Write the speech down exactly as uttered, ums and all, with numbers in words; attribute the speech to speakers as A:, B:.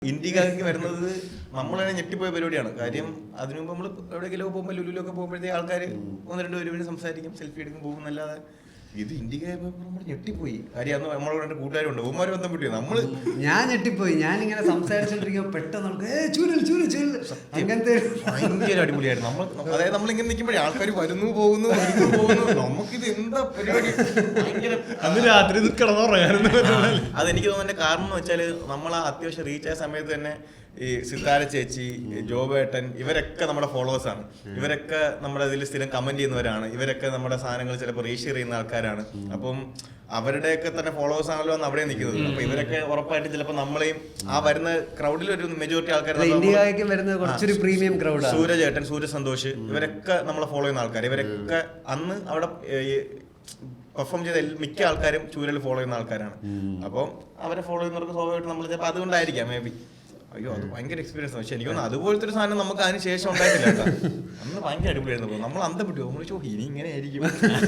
A: ഇന്ത്യക്കാർക്ക് വരുന്നത് നമ്മൾ തന്നെ ഞെട്ടിപ്പോയ പരിപാടിയാണ്. കാര്യം അതിനു മുമ്പ് നമ്മൾ എവിടെയെങ്കിലും പോകുമ്പോൾ ലുലുലൊക്കെ പോകുമ്പോഴത്തേക്ക് ആൾക്കാർ ഒന്ന് രണ്ട് പേര് സംസാരിക്കും, സെൽഫി എടുക്കും, പോകും എന്നല്ലാതെ ഇത് ഇന്ത്യക്കാർ നമ്മൾ ഞെട്ടിപ്പോയി. കാര്യം അന്ന് നമ്മളോട് രണ്ട് കൂട്ടുകാരുണ്ട്, ഉമ്മാര് ബന്ധം പറ്റിയോ നമ്മള്
B: ഞാൻ ഞെട്ടിപ്പോയി. ഞാനിങ്ങനെ സംസാരിച്ചോണ്ടിരിക്കുമ്പോ പെട്ടെന്ന് നമുക്ക് ചൂരൽ ചൂരൽ ചൂരൽ അങ്ങനത്തെ
A: ഭയങ്കര അടിപൊളിയായിരുന്നു. നമ്മൾ അതായത് നമ്മളിങ്ങനെ നിൽക്കുമ്പോഴേ ആൾക്കാർ വരുന്നു പോകുന്നു വരുന്നു പോകുന്നു, നമുക്കിത് എന്താ പരിപാടി. ഭയങ്കര
C: അന്ന് രാത്രി കിടന്നുറങ്ങാനൊന്നും
A: അതെനിക്ക് തോന്നുന്നതിന്റെ കാരണം എന്ന് വെച്ചാൽ നമ്മൾ ആ അത്യാവശ്യം റീച്ച് ആയ സമയത്ത് തന്നെ ഈ സിത്താര ചേച്ചി, ജോബേട്ടൻ, ഇവരൊക്കെ നമ്മുടെ ഫോളോവേഴ്സ് ആണ്. ഇവരൊക്കെ നമ്മുടെ ഇതിൽ സ്ഥിരം കമന്റ് ചെയ്യുന്നവരാണ്. ഇവരൊക്കെ നമ്മുടെ സാധനങ്ങൾ ചിലപ്പോൾ റീഷെയർ ചെയ്യുന്ന ആൾക്കാരാണ്. അപ്പം അവരുടെയൊക്കെ തന്നെ ഫോളോവേഴ്സ് ആണല്ലോ അന്ന് അവിടെ നിൽക്കുന്നത്. അപ്പൊ ഇവരൊക്കെ ഉറപ്പായിട്ട് ചിലപ്പോൾ നമ്മളെയും ആ വരുന്ന ക്രൗഡിൽ ഒരു മെജോറിറ്റി ആൾക്കാർ
B: ഇന്ത്യക്ക് വരുന്നത് കുറച്ചൊരു പ്രീമിയം ക്രൗഡ്.
A: സൂര്യചേട്ടൻ, സൂര്യ സന്തോഷ്, ഇവരൊക്കെ നമ്മളെ ഫോളോ ചെയ്യുന്ന ആൾക്കാർ. ഇവരൊക്കെ അന്ന് അവിടെ പെർഫോം ചെയ്ത മിക്ക ആൾക്കാരും ചൂരൽ ഫോളോ ചെയ്യുന്ന ആൾക്കാരാണ്. അപ്പം അവരെ ഫോളോ ചെയ്യുന്നവർക്ക് സ്വാഭാവികമായിട്ട് നമ്മൾ ചിലപ്പോൾ അതുകൊണ്ടായിരിക്കാം മേ ബി. അയ്യോ അത് ഭയങ്കര എക്സ്പീരിയൻസ്. പക്ഷെ എനിക്കൊന്ന് അതുപോലത്തെ ഒരു സാധനം നമുക്ക് അതിന് ശേഷം ഉണ്ടായിട്ടില്ല കേട്ടോ. അന്ന് ഭയങ്കര അടിപൊളിയായിരുന്നു. നമ്മൾ അന്തപ്പെട്ടു, നമ്മൾ ചോദിച്ചു ഇനി ഇങ്ങനെ ആയിരിക്കും.